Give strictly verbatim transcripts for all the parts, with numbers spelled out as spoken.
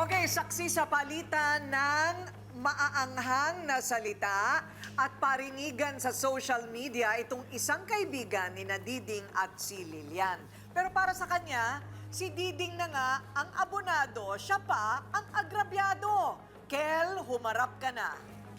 Okay, saksi sa palitan ng maaanghang na salita at parinigan sa social media itong isang kaibigan ni Diding at si Lilian. Pero para sa kanya, si Diding na nga ang abonado, siya pa ang agrabyado. Kel, humarap ka na.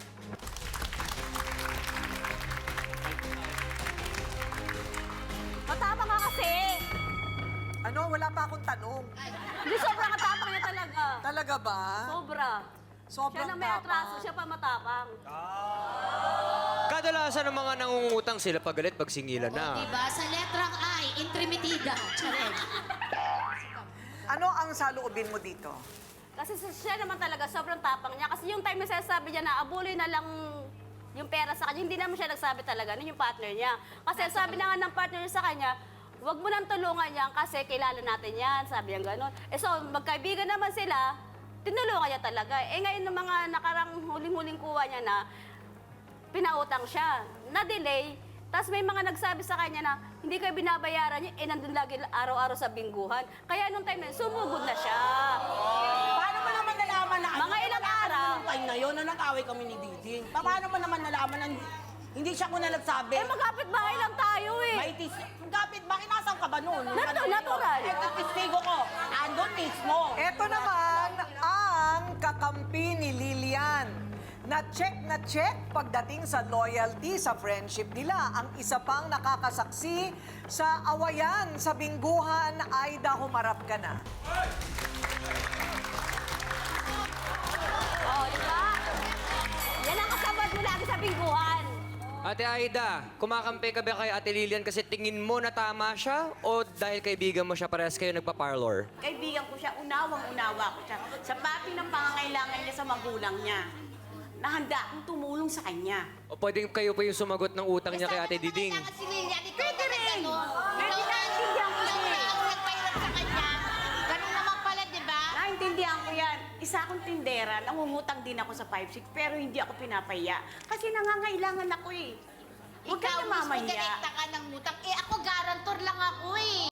Matapang ka kasi. Ano, wala pa akong tanong. Hindi, sobrang matapang niya talaga. Talaga ba? Sobra. Sobrang Siya na may tapang. atraso, siya pa matapang. Kadalasan ng mga nangungutang sila pag galit, pag singilan na. Diba? Sa letrang I, intrimitida. Charet. Ano ang saloobin mo dito? Kasi siya naman talaga, sobrang tapang niya. Kasi yung time na sinasabi niya na abuloy na lang yung pera sa kanya, hindi naman siya nagsabi talaga, nun yung partner niya. Kasi sabi na nga ng partner niya sa kanya, huwag mo nang tulungan yan kasi kilala natin yan, sabi niya gano'n. Eh so, magkaibigan naman sila, tinulungan niya talaga. Eh ngayon ng mga nakarang huling-huling kuha niya na, pinautang siya, na-delay, tapos may mga nagsabi sa kanya na hindi kayo binabayaran niya, eh nandun lagi araw-araw sa bingguhan. Kaya nung time na yun, sumugod na siya. Paano mo naman nalaman na Mga ilang araw. Nung time na yun, na nag-away kami ni Diding. Pa- Paano mo naman nalaman na hindi siya ko na nagsabi? Eh magkapit bahay lang tayo eh. May tis... Kapit, bakit nasan ka ba noon? Natu- natural. Eh, testigo ko, andun mismo. Ito naman ang kakampi ni Lilian. Na-check na check pagdating sa loyalty sa friendship nila. Ang isa pang nakakasaksi sa awayan sa bingguhan, Aida, humarap ka na. Oh, di ba? Yan ang kasabot mo lagi sa bingguhan. Ate Aida, kumakampi ka ba kay Ate Lilian kasi tingin mo na tama siya o dahil kaibigan mo siya parehas kayo nagpa-parlor? Kaibigan ko siya, unawang-unawa ko siya. Sa pati ng pangangailangan niya sa magulang niya, nahanda akong tumulong sa kanya. O pwedeng kayo pa yung sumagot ng utang niya kay Ate Diding? Kailangan si Lilian, ikaw Pwede rin. Pwede Pwede naiintindihan ko siya eh. Ikaw nagpahirap sa kanya. Ganun naman pala, di ba? Naintindihan ko yan. Isa akong tindera, nangungutang din ako sa five six, pero hindi ako pinapaya. Kasi nangangailangan ako eh. Huwag ka Ikaw na mismo mamaya. direkta ka ng utang. Eh ako, garantor lang ako eh.